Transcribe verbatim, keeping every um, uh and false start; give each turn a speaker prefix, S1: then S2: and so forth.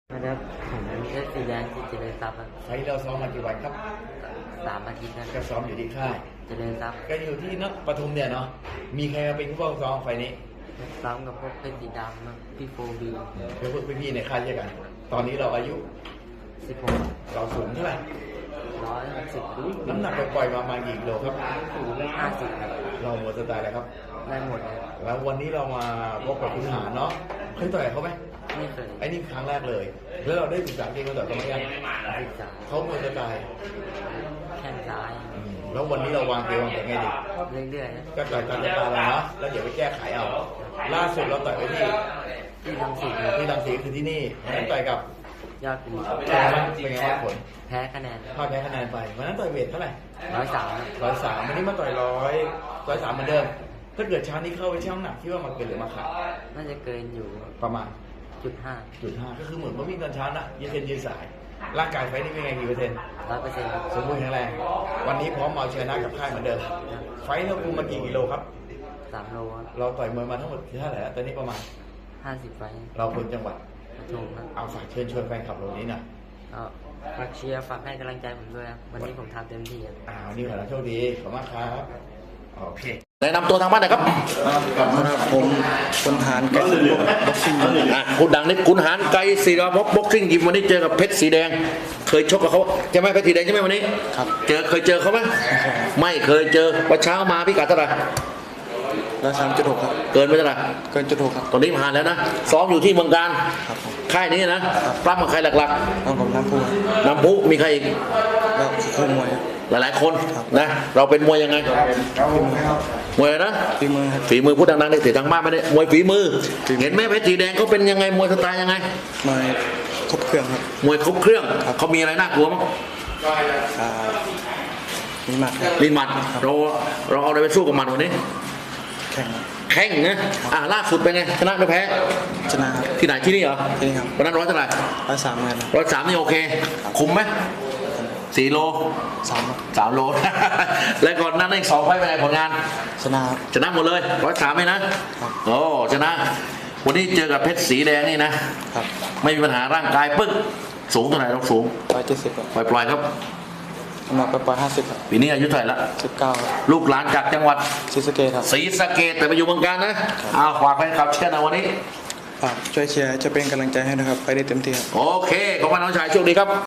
S1: นะครับผมเลือดสีแดงที่เจริญทรัพย์ครับ
S2: ไฟล์เราซ้อมมากี่วันครับ
S1: สามอาทิตย์นะค
S2: ก็
S1: รับ
S2: ซ้อมอยู่ที่ค่าย
S1: เจริญทรัพย์
S2: ก็อยู่ที่นปทุมเนี่ยเนาะมีใครมาเป็นผู้ป้องซ้อมไฟล์นี้
S1: ซ้อมกับพวกเป็นสีดำครับพี่โฟบี
S2: เป็นพวกพี่ๆในค่ายเช่นกัน ตอนนี้เราอายุ
S1: สิบหก
S2: เราสูงเท่าไหร่
S1: ร้อยหกสิบ
S2: น้ำหนักปล่อยๆมาประมาณกี่กิโลครับ
S1: ห้าสิบครับ
S2: เราหมดสไตล์แล้วครับ
S1: ได้หมดเลย
S2: แล้ววันนี้เรามาพบกับคุณหารเนาะเคยต่อยเขาไหม
S1: ไม่เคย
S2: ไอ้นี่ครั้งแรกเลย แล้วเราได้ศึกษาเกมมาต่อยเขาไหมยัง
S1: ศึกษา
S2: เขาหมดสไตล์
S1: แข้งซ้าย
S2: อืมแล้ววันนี้เราวางเกมวางแผนไงดี
S1: เรื่อยๆนะ
S2: ก็ต่อยตามสไตล์เราเนาะแล้วเดี๋ยวไปแก้ไขเอา ล่าสุดเราต่อยไปที่
S1: ที่ทำสิ่ง
S2: ที่รังสีคือที่นี่วันนั้นต่อยกับ
S1: ยอดปี
S2: เป็นไงบ้างผล
S1: แพ้คะแนน
S2: พลาดแพ้คะแนนไปวันนั้นต่อยเวทเท่าไหร่
S1: ร้อยสาม
S2: ร้อยสามวันนี้มาต่อยร้อยร้อยสามเหมือนเดิม ถ้าเกิดเช้านี้เข้าไปชั่งน้ำหนักที่ว่ามาเกินหรือมาขาด
S1: น่าจะเกินอยู่
S2: ประมาณ
S1: จุดห้า
S2: จุดห้าก็คือเหมือนว่าวิ่งตอนเช้านะยืนเส้นยืนสาย ร่างกายไฟนี่เป็นไงกี่เปอร์เซ็นต์
S1: ร้อยเปอร์เซ็นต์
S2: สมบูรณ์แข็งแรง วันนี้พร้อมมาเอาชนะกับค่ายเหมือนเดิม ไฟเราคุมมากี่กิโลครับ
S1: สามโลครับ
S2: เราต่อยมวยมาทั้งหมดเท่าไหร่แล้วตอนนี้ประมาณ
S1: ห้าสิบไฟ
S2: เราคนจังหวัด
S1: ปทุมครับ
S2: เอาฝากเชิญชวนแฟนคลับเรานี้หน่อย
S1: ก็ฝากเชียร์ฝากให้กำลังใจผมด้วยครับวันนี้ผมทำเต็มที่ครับ
S2: อ้าวนี่ขอให้โชคดี ขอบคุณมากครับ โอเค
S3: แนะนำตัวทางบ้านหน่อยครับ
S4: ครับผมคนหารไก่บ็อกซิ่ง
S3: อ่ะคุณดังนี่คุณหารไกรศิรภพบ็อกซิ่งยิมวันนี้เจอกับเพชรสีแดง เคยชกกับเขาใช่ไหมเพชรสีแดงใช่ไหมวันนี้
S4: ครับ
S3: เจอเคยเจอเขาไหมไม่เคยเจอวันเช้ามาพี่กัดเท่าไหร่
S4: แล้วสามจุดหกครับ
S3: เกินไปเท่าไหร่
S4: เกินจุดหกครับ
S3: ตอนนี้ผ่านแล้วนะซ้อมอยู่ที่เมืองการ
S4: ครับผม
S3: ค่ายนี้นะปล้ำกับใครหลัก
S4: แล้วผมน้ำพุครับ
S3: ๆน้ำพุมีใครอีก
S4: แล้วคู่มวยครับ
S3: หลายๆคนนะเราเป็นมวยยังไงมวยอะไรนะ
S4: ฝีมือครับ
S3: ฝีมือพูดดังๆได้เสียทางบ้านไม่ได้มวยฝีมือ เห็นไหมเพชรสีแดงเขาเป็นยังไงมวยสไตล์ยังไง
S4: มวยครบเครื่องครับ
S3: มวยครบเครื่องเขามีอะไรน่ากลัวมั้ง
S4: อ่ามีหมัดครับ
S3: ลินหมัดเราเราเอาอะไรไปสู้กับมันวันนี้
S4: แข่งครับ
S3: แข่งนะอ่าล่าสุดเป็นไงชนะไม่แพ้
S4: ชนะครับ
S3: ที่ไหนที่นี่เหรอ
S4: ที่นี่ครับ
S3: วันนั้นร้อยเท่าไหร่
S4: ร้อยสามเงิน
S3: ร้อยสามนี่โอเค คุมไหมสี่โล
S4: สามครับ
S3: สามโล แล้วก่อนหนั้นอีกสองไฟล์เป็นไงผลงาน
S4: ชนะครับ
S3: ชนะหมดเลยร้อยสามไหมนะครับ โอ้ชนะ วันนี้เจอกับเพชรสีแดงนี่นะครับ ไม่มีปัญหาร่างกายปึ๊กสูงเท่าไหร่เราสูง
S4: ร้อยเจ็ดสิบครับ
S3: ปล่อยๆครับ
S4: น้ำหนักไปปล่อยห้าสิบครับ
S3: ปีนี้อายุเท่าไหร่ละ
S4: สิบเก้าครับ
S3: ลูกหลานจากจังหวัด
S4: ศรีสะเกษครับ
S3: ศรีสะเกษแต่ไปอยู่เมืองการนะอ้าวฝากแฟนคลับเชียร์นะวันนี้
S4: ฝากช่วยเชียร์จะเป็นกำลังใจให้นะครับ ไปได้เต็มที่ครับ
S3: โอเค ขอบคุณน้องชายโชคดีครับ